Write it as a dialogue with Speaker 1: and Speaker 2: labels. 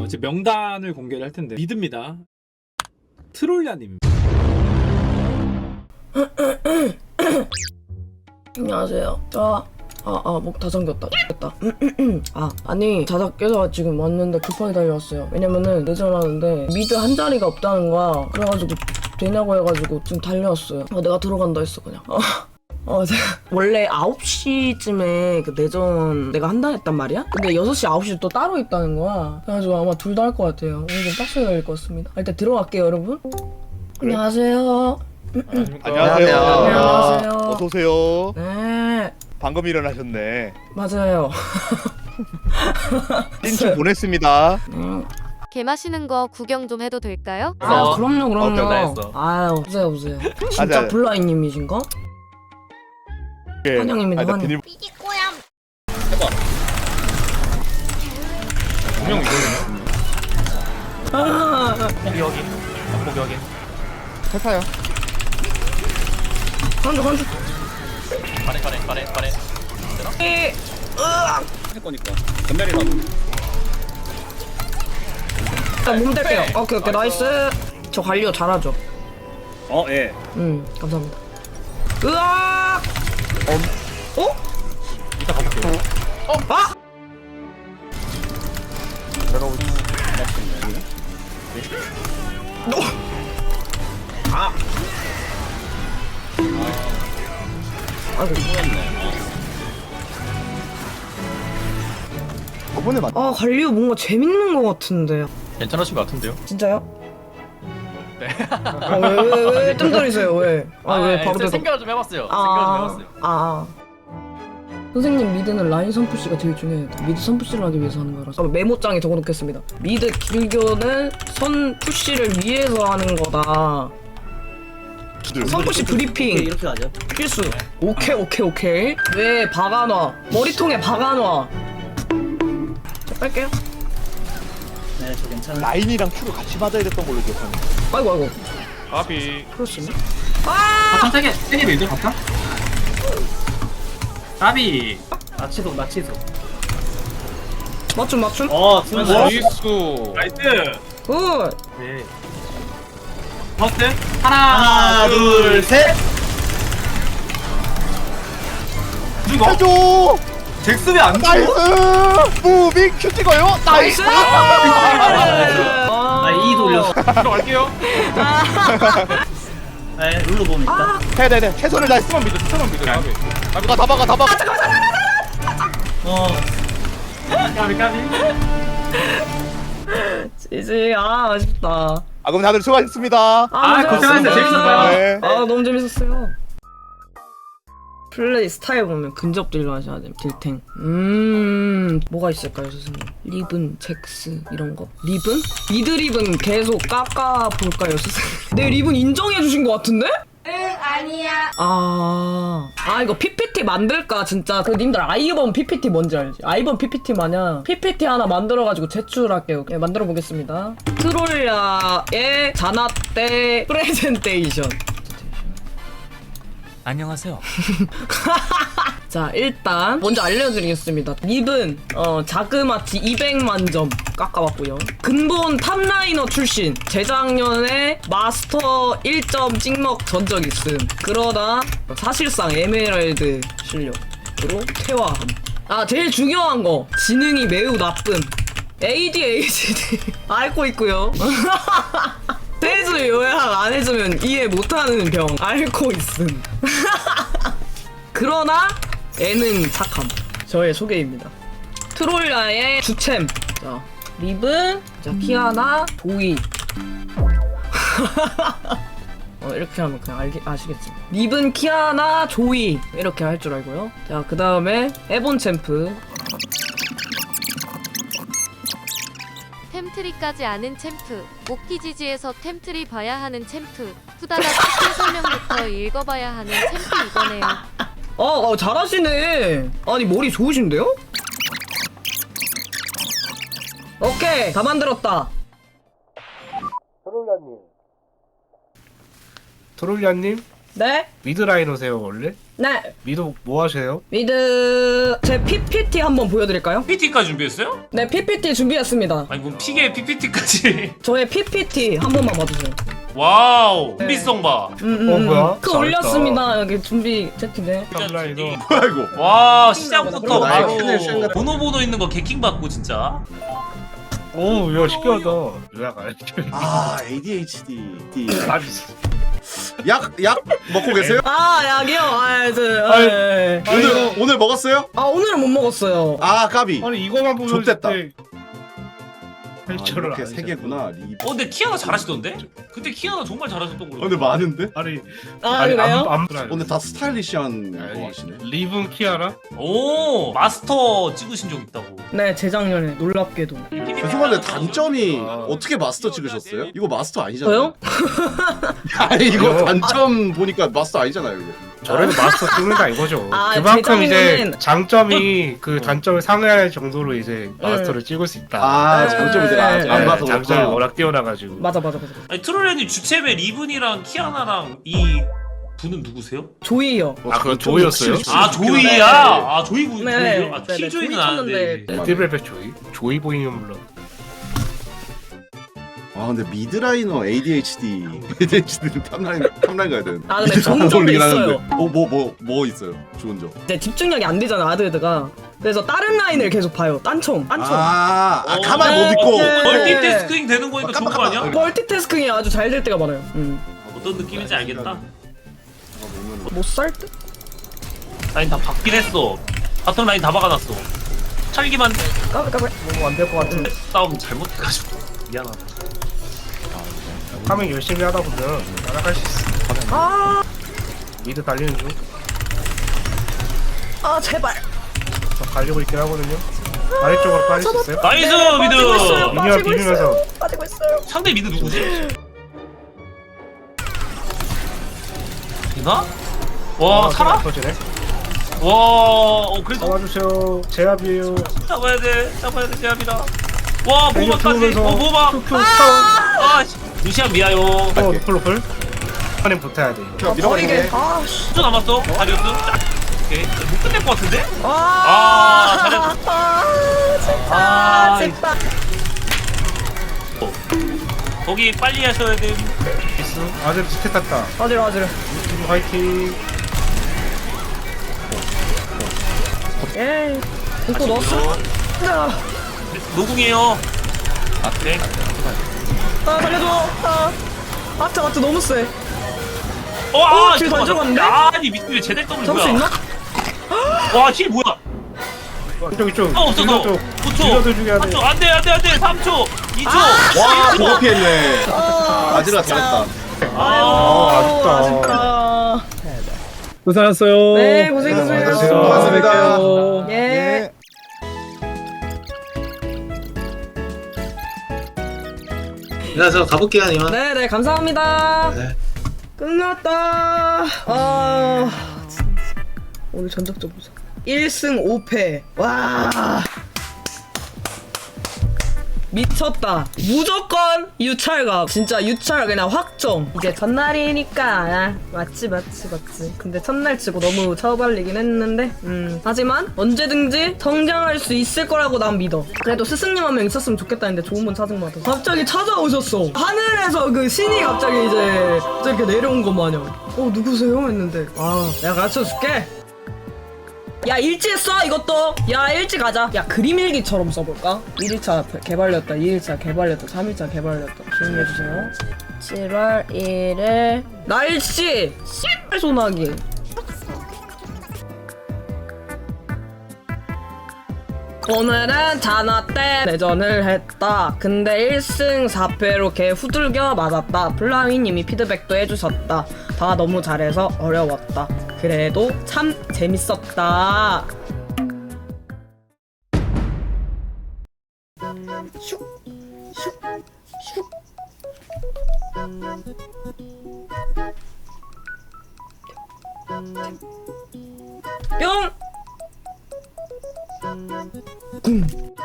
Speaker 1: 이제 명단을 공개를 할 텐데 믿습니다. 트롤야님.
Speaker 2: 안녕하세요. 목 다 잠겼다. 됐다. 아니, 자다 깨서 지금 왔는데 급하게 달려왔어요. 왜냐면은 내전하는데 미드 한 자리가 없다는 거야. 그래가지고 되냐고 해가지고 지금 달려왔어요. 내가 들어간다 했어, 그냥. 제가 원래 9시쯤에 그 내전 내가 한다 했단 말이야? 근데 6시, 9시 또 따로 있다는 거야. 그래가지고 아마 둘 다 할 것 같아요. 오늘 좀 빡세게 걸릴 것 같습니다. 일단 들어갈게요, 여러분. 그래. 안녕하세요.
Speaker 3: 안녕하세요.
Speaker 2: 안녕하세요.
Speaker 3: 어서오세요.
Speaker 2: 네,
Speaker 3: 방금 일어나셨네.
Speaker 2: 맞아요.
Speaker 3: 띵충 보냈습니다.
Speaker 4: 개 마시는 거 구경 좀 해도 될까요?
Speaker 2: 그럼요.
Speaker 3: 했어.
Speaker 2: 아유, 보세요. 진짜
Speaker 3: 맞아.
Speaker 2: 블라인님이신가? 환영입니다, 환영.
Speaker 3: 비닐...
Speaker 5: 분명 이거네요. 포기 확인. 포기 확인.
Speaker 3: 회사요.
Speaker 2: 간주.
Speaker 5: 빠래.
Speaker 6: 할 거니까 전멸이라도.
Speaker 2: 몸 댈게요. 오케이, 나이스. 저 관리요 잘하죠?
Speaker 6: 예.
Speaker 2: 감사합니다. 으악!
Speaker 5: 이따 가볼게요.
Speaker 2: 아이고.
Speaker 3: 저번에 맞...
Speaker 2: 관리요 뭔가 재밌는 것 같은데.
Speaker 5: 괜찮으신 것 같은데요?
Speaker 2: 진짜요?
Speaker 5: 네.
Speaker 2: 왜 뜸들이세요, 왜? 왜 바로 대답.
Speaker 5: 생각을 좀 해봤어요.
Speaker 2: 선생님, 미드는 라인 선푸시가 제일 중요해요. 미드 선푸시를 하기 위해서 하는 거라서 메모장에 적어놓겠습니다. 미드 길교는 선푸시를 위해서 하는 거다. 선푸시 브리핑
Speaker 6: 이렇게 하죠.
Speaker 2: 필수. 오케이. 왜 박아놔? 머리통에 박아놔. 자, 뺄게요.
Speaker 6: 네, 저 괜찮아요.
Speaker 3: 라인이랑 큐를 같이 맞아야 됐던 걸로 기억하는데.
Speaker 2: 아이고.
Speaker 5: 까비.
Speaker 2: 그렇습니다.
Speaker 7: 바텀 세게 밀죠 바텀? 까비.
Speaker 6: 나치소.
Speaker 2: 맞춤.
Speaker 5: 나이스.
Speaker 1: 나이스.
Speaker 2: 굿.
Speaker 7: 네. 버스트 하나
Speaker 6: 둘, 셋.
Speaker 7: 죽어?
Speaker 3: 해줘!
Speaker 7: 잭슨이 안 죽어?
Speaker 3: 나이스! 무빙 큐 찍어요? 나이스!
Speaker 6: 나 E 돌려서.
Speaker 5: 들어갈게요.
Speaker 6: 네, 룰루 보면 있다.
Speaker 3: 네. 최선을 다했어.
Speaker 5: 추천만 믿어. 까비.
Speaker 3: 다 박아.
Speaker 7: 까비.
Speaker 2: 지지. 아쉽다.
Speaker 3: 그럼 다들 수고하셨습니다.
Speaker 7: 고생하셨어요. 재밌었어요.
Speaker 3: 네.
Speaker 2: 너무 재밌었어요. 플레이 스타일 보면 근접들로 하셔야 돼요. 딜탱. 뭐가 있을까요, 선생님? 리븐, 잭스 이런 거. 리븐? 미드 리븐 계속 깎아 볼까요, 선생님? 내 리븐 인정해 주신 것 같은데? 응, 아니야. 이거 PPT 만들까 진짜. 그 님들 아이번 PPT 뭔지 알지? 아이번 PPT 마냥 PPT 하나 만들어가지고 제출할게요. 네, 만들어 보겠습니다. 트롤야의 자나떼 프레젠테이션.
Speaker 7: 안녕하세요.
Speaker 2: 자, 일단 먼저 알려드리겠습니다. 립은 자그마치 200만 점 깎아봤고요. 근본 탑라이너 출신. 재작년에 마스터 1점 찍먹 전적 있음. 그러다 사실상 에메랄드 실력으로 퇴화함. 제일 중요한 거, 지능이 매우 나쁨. ADHD 앓고 있고요. 세주 요약 안 해주면 이해 못하는 병 앓고 있음. 그러나 애는 착함. 저의 소개입니다. 트롤야의 주챔. 자, 립은 자, 키아나, 도이. 이렇게 하면 그냥 아시겠지. 립은 키아나, 조이 이렇게 할 줄 알고요. 자, 그 다음에 에본 챔프.
Speaker 4: 템트리까지 아는 챔프. 모키지지에서 템트리 봐야 하는 챔프. 후다닥 스킬 설명부터 읽어봐야 하는 챔프 이거네요.
Speaker 2: 잘하시네. 아니, 머리 좋으신데요? 오케이, 다 만들었다.
Speaker 8: 트롤리아님
Speaker 2: 네?
Speaker 8: 미드 라이너세요 원래?
Speaker 2: 네.
Speaker 8: 미드 뭐 하세요?
Speaker 2: 미드 제 PPT 한번 보여드릴까요?
Speaker 5: PPT까지 준비했어요?
Speaker 2: 네, PPT 준비했습니다.
Speaker 5: 아니 뭔 픽에 PPT까지.
Speaker 2: 저의 PPT 한 번만 봐주세요.
Speaker 5: 와우. 준비성 봐.
Speaker 8: 뭐야?
Speaker 2: 그 올렸습니다. 여기 준비 채팅에.
Speaker 8: 라이너.
Speaker 3: 뭐야 이거?
Speaker 5: 와 시작부터
Speaker 3: 나의
Speaker 5: 바로
Speaker 3: 큰일 생각-
Speaker 5: 번호 있는 거 개킹 받고 진짜.
Speaker 8: 오, 야 신기하다. 요약 알지?
Speaker 3: 아 ADHD.
Speaker 8: 아,
Speaker 3: 약 먹고 계세요?
Speaker 2: 아, 약이요? 아,
Speaker 3: 오늘 먹었어요?
Speaker 2: 오늘은 못 먹었어요.
Speaker 3: 아 까비.
Speaker 8: 아니 이거만 보면
Speaker 3: 좋댔다.
Speaker 8: 할 줄을
Speaker 3: 이렇게
Speaker 8: 알지.
Speaker 3: 세 개구나. 리.
Speaker 5: 근데 키아나 잘하시던데? 근데 키아나 정말 잘하셨던 걸로.
Speaker 3: 근데 많은데?
Speaker 8: 아니
Speaker 2: 그래요?
Speaker 3: 오늘 다 스타일리시한 거 하시네.
Speaker 8: 리븐 키아라?
Speaker 5: 오 마스터 찍으신 적 있다고.
Speaker 2: 네, 재작년에 놀랍게도.
Speaker 3: 죄송한데 단점이
Speaker 8: 아.
Speaker 3: 어떻게 마스터 찍으셨어요? 이거 마스터 아니잖아요.
Speaker 2: 저요?
Speaker 3: 아니 이거
Speaker 8: 이거-
Speaker 3: 단점 보니까 마스터 아니잖아요. 이거.
Speaker 8: 저래도 마스터 찍는다 이거죠.
Speaker 2: 아,
Speaker 8: 그만큼 이제
Speaker 2: 재작년에는-
Speaker 8: 장점이 그 단점을 상회할 정도로 이제 마스터를 찍을 수 있다.
Speaker 3: 아 장점이 내가 아직 안
Speaker 8: 네,
Speaker 3: 봐서
Speaker 8: 장점이
Speaker 3: 그렇구나.
Speaker 8: 워낙 뛰어나가지고.
Speaker 2: 맞아.
Speaker 5: 아니 트롤레님 주체배 리븐이랑 키아나랑 이 분은 누구세요?
Speaker 2: 조이요.
Speaker 8: 아 그건 조이였어요?
Speaker 5: 아 조이야. 아 조이 분.
Speaker 2: 네.
Speaker 5: 조이요? 아
Speaker 2: 네,
Speaker 5: 킬조이는
Speaker 2: 조이
Speaker 5: 아는데.
Speaker 2: 쳤는데.
Speaker 8: 레드벨벳 조이? 조이 보이면 물론.
Speaker 3: 아 근데 미드라이너 ADHD는 탑라인 가야 되는데.
Speaker 2: 아, 근데 좋은 점도 있어요.
Speaker 3: 뭐 있어요? 좋은 점.
Speaker 2: 네, 집중력이 안 되잖아, 아드드가. 그래서 다른 라인을 계속 봐요. 딴청.
Speaker 3: 가만 못 있고.
Speaker 2: 네.
Speaker 5: 멀티태스킹 되는 거니까 좋은 거 아니야?
Speaker 2: 멀티태스킹이 아주 잘 될 때가 많아요.
Speaker 5: 어떤 느낌인지 알겠다.
Speaker 2: 못 살 듯?
Speaker 5: 라인 다 박긴 했어. 바텀 라인 다 박아놨어. 찰기만
Speaker 2: 까불. 안될 것 같은데.
Speaker 5: 싸움 잘못해가지고 미안하다.
Speaker 8: 하면 열심히 하다 보면 따라갈 수 있어. 미드 달리는 중.
Speaker 2: 제발.
Speaker 8: 저 달리고 있긴 하거든요. 아래쪽으로 빠질 수 있어요?
Speaker 5: 나이스 미드.
Speaker 8: 미니언 비비면서.
Speaker 2: 빠지고 있어요.
Speaker 5: 상대 미드 누구지? 이나? 와 살아?
Speaker 8: 터지네.
Speaker 5: 와 그래도
Speaker 8: 잡아주세요. 제압이에요.
Speaker 5: 잡아야 돼 제압이다. 와 보마까지.
Speaker 8: 들어오면서
Speaker 5: 보마.
Speaker 8: 큐큐
Speaker 5: 아 루시안 미아요.
Speaker 8: 노플. 안에 붙어야 돼.
Speaker 2: 버리게.
Speaker 5: 10초 남았어. 다리우스. 오케이 못 끝낼 것 같은데? 잘했어. 거기 빨리 하셔야 돼.
Speaker 8: 미스. 아들 스탯 탔다.
Speaker 2: 아지러.
Speaker 8: 화이팅.
Speaker 2: 예. 이거 넣었어?
Speaker 5: 노궁이에요. 네.
Speaker 2: 살려줘. 아트 너무 세. 길 잘 들어갔는데?
Speaker 5: 아니 미친 제대 더블
Speaker 2: 잡을 수
Speaker 5: 뭐야?
Speaker 2: 있나?
Speaker 5: 와힐 뭐야?
Speaker 8: 이쪽.
Speaker 5: 없어 너. 9초.
Speaker 8: 딜러들 죽여야 돼.
Speaker 5: 3초 안돼 3초 2초.
Speaker 3: 와 저거 피했네. 아지라 잘했다.
Speaker 8: 아쉽다.
Speaker 1: 고생하셨어요.
Speaker 2: 네, 고생했어요.
Speaker 3: 고맙습니다.
Speaker 2: 예.
Speaker 6: 저 가볼게요, 이만.
Speaker 2: 네, 감사합니다.
Speaker 6: 네.
Speaker 2: 끝났다. 진짜. 오늘 전적적 보자. 1승 5패. 와. 미쳤다. 무조건 유찰각. 진짜 유찰 그냥 확정. 이제 첫날이니까. 맞지. 근데 첫날 치고 너무 처발리긴 했는데. 하지만 언제든지 성장할 수 있을 거라고 난 믿어. 그래도 스승님 한 명 있었으면 좋겠다 했는데 좋은 분 찾은 것 같아서. 갑자기 찾아오셨어. 하늘에서 그 신이 갑자기 이제 이렇게 내려온 것 마냥. 누구세요? 했는데. 내가 가르쳐 줄게. 야 일찍 써 이것도. 야 일찍 가자. 야 그림일기처럼 써볼까? 1일차 개발렸다 2일차 개발렸다 3일차 개발렸다. 조용히 해주세요. 7월 1일 날씨 소나기. 오늘은 잔화 때 내전을 했다. 근데 1승 4패로 개 후들겨 맞았다. 플라위님이 피드백도 해주셨다. 다 너무 잘해서 어려웠다. 그래도 참 재밌었다. 슉, 슉, 슉. 뿅.